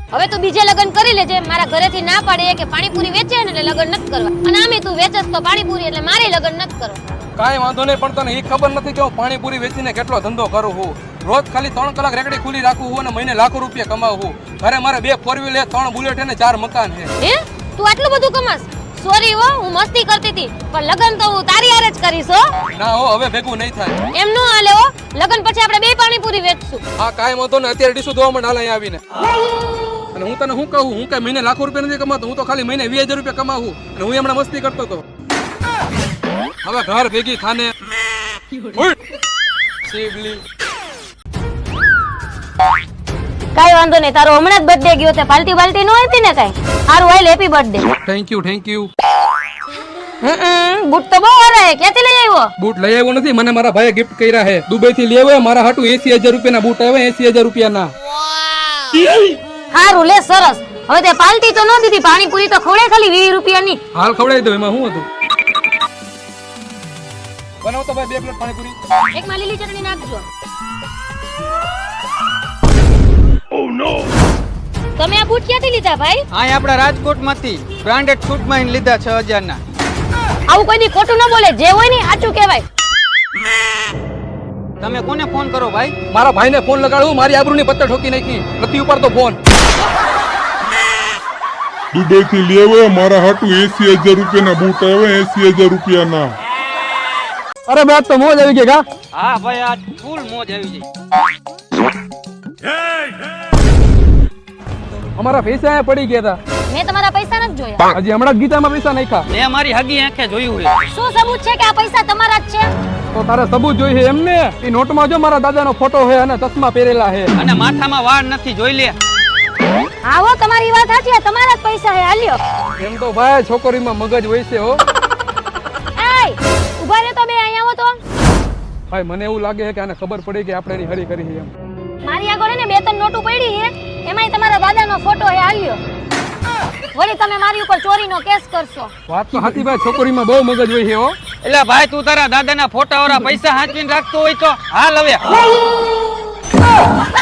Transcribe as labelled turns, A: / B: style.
A: હવે તું બીજે લગન કરી લેજે. મારા ઘરેથી ના પાડે કે પાણીપુરી વેચે ને એટલે લગન નથી કરવા. અને આમે તું વેચસ તો પાણીપુરી એટલે મારે લગન નથી કરવા.
B: કાંઈ વાંધો નહીં, પણ તને એ ખબર નથી કે હું પાણીપુરી વેચીને કેટલો ધંધો કરું છું. રોજ ખાલી 3 કલાક રેકડી ખુલ્લી રાખું છું અને મહિને લાખો રૂપિયા કમાવું છું. ઘરે મારે 2 4 વ્હીલ 3 બુલેટ અને 4 મકાન છે.
A: હે તું આટલું બધું કમાસ? સોરી હો, હું મસ્તી કરતી હતી, પણ લગન તો હું તારી હારે જ કરીશ હો.
B: ના હો, હવે ભેગું નહીં થાય.
A: એમ નો હાલે હો. લગન પછી આપણે 2 પાણીપુરી વેચશું.
B: હા કાંઈ વાંધો નહીં, અત્યારે ડીશું ધોવા માંડ હાલ અહીંયા આવીને. અને હું તને શું કહું, હું કઈ મહિને લાખો રૂપિયા નથી કમાતો, હું તો ખાલી મહિને 20,000 રૂપિયા કમાવું. અને હું હમણાં મસ્તી કરતો હતો. હવે ઘર ભેગી થાને શિવલી.
A: કાઈ વાંધો નહીં, તારો હમણાં જ બર્થડે ગયો તે પાર્ટી બાલ્ટી નો આપી ને કાઈ? હારું હાલ, happy birthday.
B: Thank you thank you.
A: બૂટ તો બહુ સારા હે, ક્યાંથી લઈ આવ્યો?
B: બૂટ લઈ આવ્યો નથી, મને મારા ભાઈએ ગિફ્ટ કર્યા છે. દુબઈ થી લઈ આવ્યો મારા હાટુ 80,000 રૂપિયાના બૂટ આવ્યા, 80,000 રૂપિયાના.
A: હારું લે, સરસ. હવે તે પાર્ટી તો ન દીધી, પાણીપુરી તો ખવડે ખાલી 20 રૂપિયાની.
B: હાલ ખવડાવી દો, એમાં શું હતું? બનાવો તો ભાઈ 2 પ્લેટ પાણીપુરી.
A: એક માં લીલી ચટણી નાખજો. તમે આ બૂટ ક્યાંથી લીધા ભાઈ?
C: આ આપડા રાજકોટ માંથી બ્રાન્ડેડ શૂટ માં લીધા 6,000 ના.
A: આવું કોઈ દી ખોટું ન બોલે, જે હોય ને સાચું કહેવાય.
C: તમે કોને ફોન કરો ભાઈ?
B: મારા ભાઈને ફોન લગાડું, મારી આબરૂની પત્તર ઠોકી નાખી. નથી ઉપાડતો ફોન.
D: દુબઈ થી લેવે મારા હાટુ 80,000 રૂપિયાના બૂટ આવ્યા, 80,000 રૂપિયાના.
B: અરે બેટ તો મોજ આવી ગઈ કા?
C: હા ભાઈ, આ ફૂલ મોજ આવી ગઈ.
B: અમારા પૈસા અહીંયા પડી ગયા
A: મેં તમારા પૈસા નથી જોયા.
B: હતા. હજી હમણાં જ ગીતામાં પૈસા નાખ્યા.
C: મેં મારી હગી આંખે જોયું છે.
A: શું સબૂત છે કે આ પૈસા તમારા જ છે?
B: તો તારે સબૂત જોઈએ એમને? એ નોટમાં જો મારા દાદાનો ફોટો છે અને ચશ્મા પહેરેલા છે.
C: અને માથામાં વાળ નથી, જોઈ લે.
A: આવો, તમારી વાત સાચી છે, તમારા જ પૈસા હે. હાલ્યો.
B: એમ તો ભાઈ છોકરીમાં મગજ હોય છે હો.
A: એય ઉભા રહે તો બે અહીંયા આવો તો.
B: ભાઈ મને એવું લાગે છે કે આને ખબર પડી કે આપણે એની હરી કરી છે એમ.
A: મારી આગળ ને 2-3 નોટો પડી છે, એમાંય તમારા દાદાનો ફોટો હે. હાલ્યો. વળી તમે મારી ઉપર ચોરીનો કેસ કરશો.
B: વાત તો સાચી ભાઈ, છોકરીમાં બહુ મગજ હોય છે હો.
C: એટલે ભાઈ તું તારા દાદાના ફોટા વાળા પૈસા હાંચવીને રાખતો હોય તો હાલ હવે.